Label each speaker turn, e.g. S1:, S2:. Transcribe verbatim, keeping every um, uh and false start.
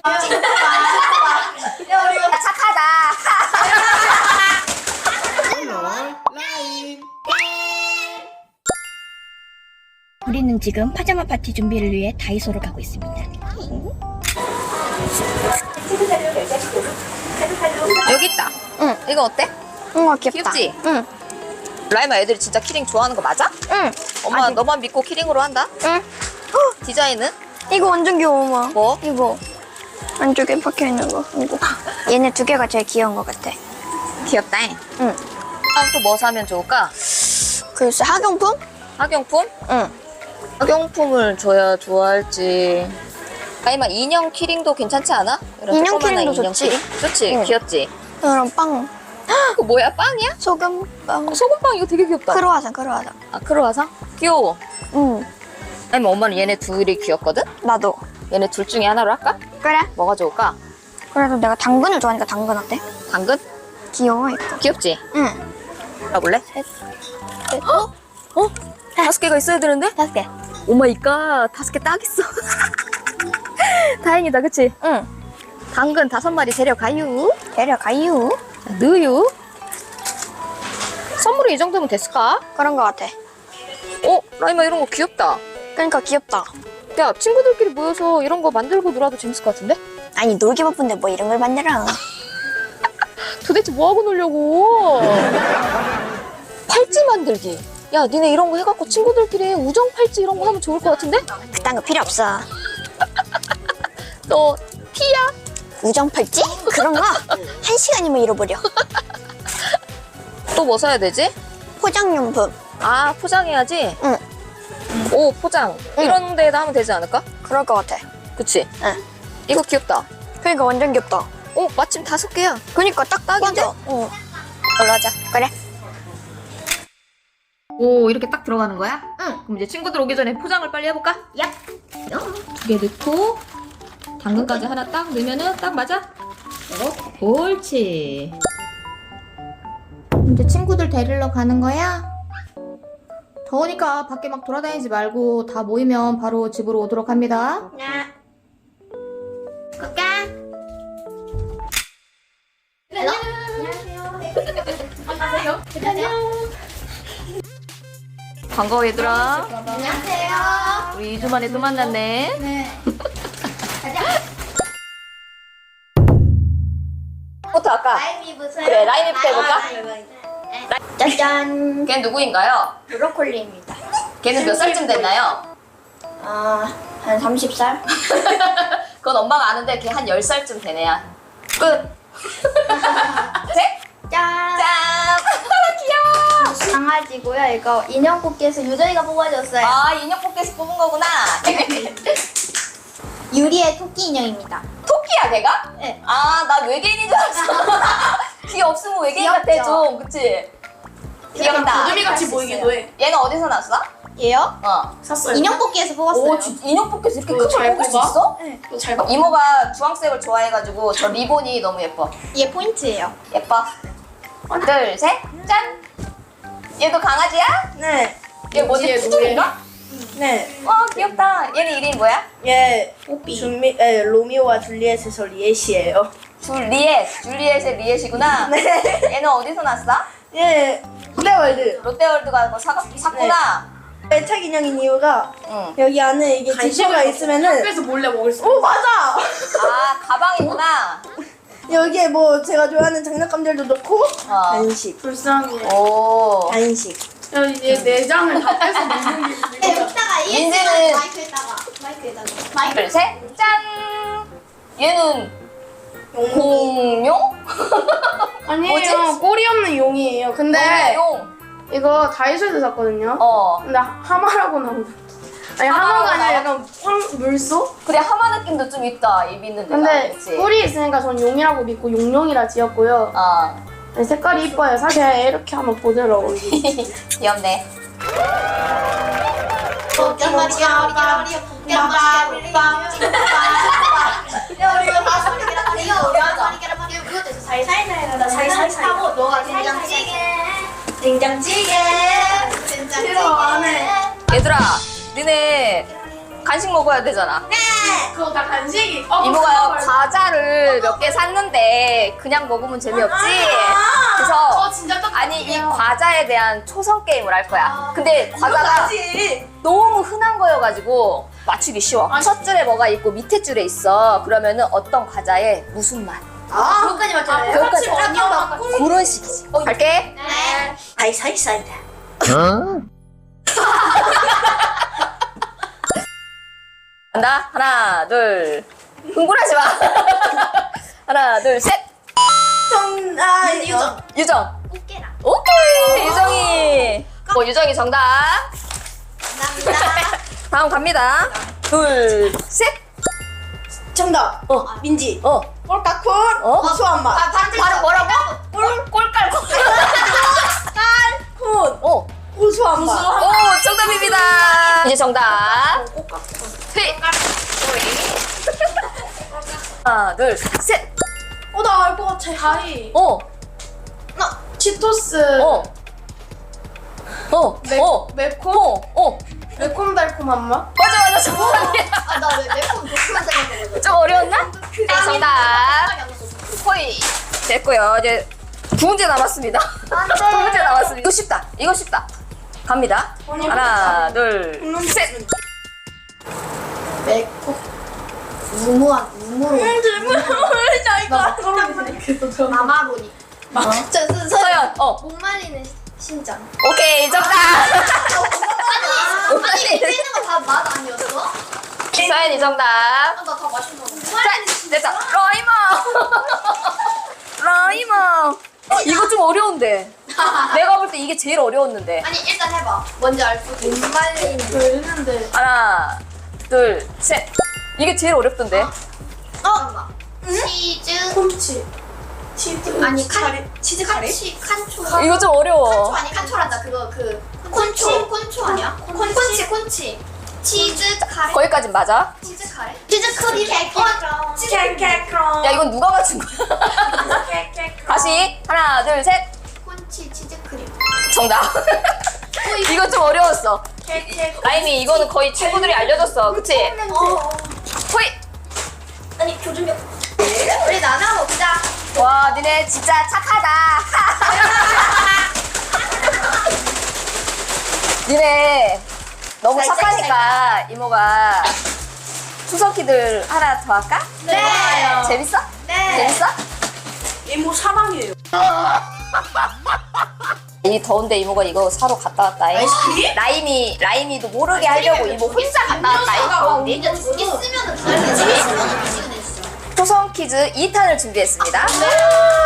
S1: 착하다. 우리는 지금 파자마 파티 준비를 위해 다이소로 가고 있습니다.
S2: 여기 있다.
S1: 응.
S2: 이거 어때?
S1: 응, 귀엽다.
S2: 귀엽지?
S1: 응.
S2: 라이마 애들이 진짜 키링 좋아하는 거 맞아?
S1: 응.
S2: 엄마
S1: 아직-
S2: 너만 믿고 키링으로 한다?
S1: 응.
S2: 헉, 디자인은?
S1: 이거 완전 귀여워, 엄마.
S2: 뭐?
S1: 이거. 안쪽에 박혀 있는 거. 이거. 얘네 두 개가 제일 귀여운 것 같아.
S2: 귀엽다.
S1: 응.
S2: 다음 또 뭐 사면 좋을까?
S1: 글쎄, 학용품?
S2: 학용품?
S1: 응.
S2: 학용품을 줘야 좋아할지. 라이마 인형 키링도 괜찮지 않아? 이런
S1: 인형
S2: 조그마한
S1: 키링도
S2: 인형
S1: 좋지.
S2: 키링? 좋지?
S1: 응.
S2: 귀엽지?
S1: 이런 빵.
S2: 그거 뭐야? 빵이야?
S1: 소금빵.
S2: 어, 소금빵 이거 되게 귀엽다.
S1: 크로와상, 크로와상.
S2: 아, 크로와상? 귀여워.
S1: 응.
S2: 아니면 엄마는 얘네 둘이 귀엽거든?
S1: 나도.
S2: 얘네 둘 중에 하나로 할까?
S1: 그래.
S2: 뭐가 좋을까?
S1: 그래도 내가 당근을 좋아하니까 당근 어때?
S2: 당근?
S1: 귀여워, 이거.
S2: 귀엽지?
S1: 응.
S2: 가볼래? 셋. 셋. 어? 어? 다섯 개가 있어야 되는데?
S1: 다섯 개.
S2: 오마이갓. 다섯 개 딱 있어. 다행이다, 그치?
S1: 응.
S2: 당근 다섯 마리 데려가유.
S1: 데려가유.
S2: 자, 넣어유. 선물이 이 정도면 됐을까?
S1: 그런 것 같아.
S2: 어? 라이마 이런 거 귀엽다.
S1: 그러니까 귀엽다.
S2: 야, 친구들끼리 모여서 이런 거 만들고 놀아도 재밌을 것 같은데?
S1: 아니, 놀기 바쁜데 뭐 이런 걸 만들어.
S2: 도대체 뭐하고 놀려고? 팔찌 만들기. 야, 니네 이런 거 해갖고 친구들끼리 우정 팔찌 이런 거 하면 좋을 것 같은데?
S1: 그딴 거 필요 없어.
S2: 너 티야?
S1: 우정 팔찌? 그런 거 한 시간이면 잃어버려.
S2: 또 뭐 사야 되지?
S1: 포장용품.
S2: 아, 포장해야지?
S1: 응.
S2: 오, 포장.
S1: 응.
S2: 이런 데다 하면 되지 않을까?
S1: 그럴 것 같아.
S2: 그치?
S1: 응.
S2: 이거 귀엽다.
S1: 그러니까 완전 귀엽다.
S2: 오, 마침 다섯 개야.
S1: 그러니까 딱
S2: 딱인데?
S1: 맞아. 어.
S2: 걸로 하자.
S1: 그래.
S2: 오, 이렇게 딱 들어가는 거야?
S1: 응.
S2: 그럼 이제 친구들 오기 전에 포장을 빨리 해볼까? 얍! 두 개 넣고 당근까지 하나 딱 넣으면은 딱 맞아? 이렇게. 옳지. 이제 친구들 데리러 가는 거야? 더우니까 밖에 막 돌아다니지 말고 다 모이면 바로 집으로 오도록 합니다.
S1: 야.
S2: 반가워 얘들아.
S1: 안녕하세요.
S2: 우리 이 주 만에 또 만났네.
S1: 네.
S2: 부터 할까?
S1: 라임이부터.
S2: 그래, 라임이부터 해볼까?
S1: 짜잔.
S2: 걔 누구인가요?
S1: 브로콜리입니다.
S2: 걔는 몇 살쯤 됐나요?
S1: 아, 한 서른 살?
S2: 그건 엄마가 아는데 걔 한 열 살쯤 되네야. 끝. 셋.
S1: 짠.
S2: 짠. 귀여워.
S1: 강아지고요. 이거 인형 뽑기에서 유정이가 뽑아줬어요.
S2: 아, 인형 뽑기에서 뽑은 거구나.
S1: 유리의 토끼 인형입니다.
S2: 토끼야 걔가?
S1: 네.
S2: 아, 나 외계인인 줄 알았어. 귀 없으면 외계인 같아
S1: 귀엽죠?
S2: 좀. 그치? 귀엽다.
S3: 구름이 같이 보이기도 해.
S2: 얘는 어디서 났어?
S1: 얘요?
S2: 어.
S3: 샀어요.
S1: 인형 뽑기에서 뽑았어요.
S2: 오, 진짜 인형 뽑기에서 이렇게
S3: 그거
S2: 큰 걸
S3: 잘
S2: 뽑을 수
S3: 뽑아?
S2: 있어?
S1: 네.
S3: 잘 봐.
S2: 이모가 주황색을 좋아해가지고 저 리본이 너무 예뻐.
S1: 얘 포인트예요.
S2: 예뻐. 둘, 셋, 짠. 얘도 강아지야?
S3: 네.
S2: 얘 뭐지?
S3: 얘
S2: 푸들인가?
S3: 네.
S2: 와, 귀엽다. 얘는 이름이 뭐야?
S3: 얘 준미 에 로미오와 줄리엣에서 리엣이에요.
S2: 줄리엣. 줄리엣의 리엣이구나.
S3: 네.
S2: 얘는 어디서 났어?
S3: 얘 롯데월드.
S2: 롯데월드 가서 사, 샀구나.
S3: 애착 인형인 이유가
S2: 응.
S3: 여기 안에 이게 지퍼가 있으면은
S4: 학교에서 몰래 먹을 수
S3: 오 맞아.
S2: 아, 가방이구나.
S3: 여기에 뭐 제가 좋아하는 장난감들도 넣고
S2: 어.
S3: 간식.
S4: 불쌍해.
S2: 오.
S3: 간식.
S4: 야, 얘 내장을 다 빼서 먹는 게
S1: 네,
S4: 진짜.
S1: 여기다가
S2: 민지는
S1: 마이크에다가 마이크에다가
S2: 둘, 셋, 짠. 얘는 공룡?
S4: 아니에요. 꼬리 없는 용이에요. 근데
S2: 용.
S4: 이거 다이소에서 샀거든요.
S2: 어.
S4: 근데 하마라고 나온다. 아니
S2: 하마라고
S4: 하마가 아니라
S2: 나와?
S4: 약간 황 물소?
S2: 그래, 하마 느낌도 좀 있다. 입 있는 데가.
S4: 근데
S2: 그치?
S4: 뿔이 있으니까 전 용이라고 믿고 용룡이라 지었고요.
S2: 어.
S4: 아니, 색깔이 이뻐요. 사실 이렇게 하면 부드러워.
S2: 귀엽네.
S1: 살살살 하고 너가 된장찌개 된장찌개 된장찌개
S2: 얘들아, 니네 간식 먹어야 되잖아.
S4: 그거 다 간식이. 어,
S2: 이모가 과자를 몇 개 샀는데 그냥 먹으면 재미없지.
S4: 어
S2: 그래서
S4: 진짜 떡.
S2: 아니 이 과자에 대한 초성 게임을 할 거야. 근데 과자가
S3: 하지.
S2: 너무 흔한 거여가지고 맞추기 쉬워. 첫 줄에 뭐가 있고 밑에 줄에 있어. 그러면은 어떤 과자에 무슨 맛.
S3: 아, 그것까지 맞잖아요.
S2: 그것까지
S4: 언니가
S2: 그런 식이지. 갈게.
S4: 네.
S3: 아이스 아이스 아이다.
S2: 간다. 하나, 둘. 흥분하지 마. 하나, 둘, 셋.
S3: 정, 아, 유정.
S2: 유정.
S1: 꽃게랑.
S2: 오케이. 유정이. 어, 유정이 정답.
S1: 감사합니다.
S2: 다음 갑니다. 둘, 셋.
S3: 정답.
S2: 어.
S3: 민지.
S2: 어.
S3: 꼴깍콜.
S2: 어?
S3: 수한 맛.
S2: 바로 뭐라고? 꼴, 꼴깔꼴.
S3: 콘.
S2: 어.
S3: 고소한 맛.
S2: 오, 정답입니다. 이제 정답. 휘. 하나, 둘, 셋.
S4: 어, 나 알 것 같아. 가위.
S2: 어.
S4: 치토스.
S2: 어. 어.
S4: 매,
S2: 어.
S4: 매콤?
S2: 어. 어.
S4: 매콤달콤한 맛?
S2: 맞아, 맞아. 정답이야.
S1: 아, 나왜 매콤 매콤한 생각했거든.
S2: 좀 어려웠나? 네, 정답. 호이. 됐고요. 이제 두 문제 남았습니다. 두 문제 남았습니다. 이거 쉽다. 이거 쉽다. 갑니다. 하나, 둘, 셋.
S4: 매콤.
S1: 무모한 무모로.
S3: 나 이거.
S1: 마마로니. 저, 저, 저,
S2: 서연. 어.
S1: 목 말리는 심장.
S2: 오케이. 정답.
S1: 아니, 아니 밑에 있는 거 다 맛 아니었어?
S2: 서연이 정답.
S1: 아, 나다 맛있는 거.
S2: 자, 됐다. 라이머. 라이머. 이거 좀 어려운데. 내가 볼 때 이게 제일 어려웠는데.
S1: 아니 일단 해봐. 뭔지 알 수. 목 말리는.
S4: 왜 이랬는데?
S2: 하나, 둘, 셋. 이게 제일 어렵던데.
S1: 어. 치즈.
S4: 콤치. 치즈.
S1: 아니 칸.
S3: 카레. 치즈 카레?
S1: 칸치 칸초.
S2: 이거 좀 어려워.
S1: 칸초 아니 칸초란다. 그거 그 콘초 콘초 아니야? 콘치 콘치. 치즈 카레.
S2: 거기까진 맞아.
S1: 치즈 카레. 치즈 크림. 어. 치즈 크림.
S3: 캐캐크럼.
S2: 야, 이건 누가 맞춘 거야? 다시. 하나, 둘, 셋.
S1: 콘치 치즈 크림.
S2: 정답. 이거 좀 어려웠어. 라임이 이거는 거의 친구들이 알려줬어. 그치?
S1: 어.
S2: 호이.
S1: 아니 조준력. 우리 나눠 먹자.
S2: 와, 니네 진짜 착하다. 니네 너무
S1: 살짝,
S2: 착하니까 이모가 추석기들 하나 더 할까?
S1: 네.
S2: 재밌어?
S1: 네.
S2: 재밌어?
S3: 이모 사랑해요.
S2: 이 더운데 이모가 이거 사러 갔다 왔다.
S3: 아이스크림?
S2: 라임이 라임이도 모르게 하려고 이모 혼자 갔다 왔다. 더운데.
S1: 이제 저기 쓰면은 다르지. 시그널 진짜.
S2: 초성 퀴즈 이 탄을 준비했습니다.
S1: 네.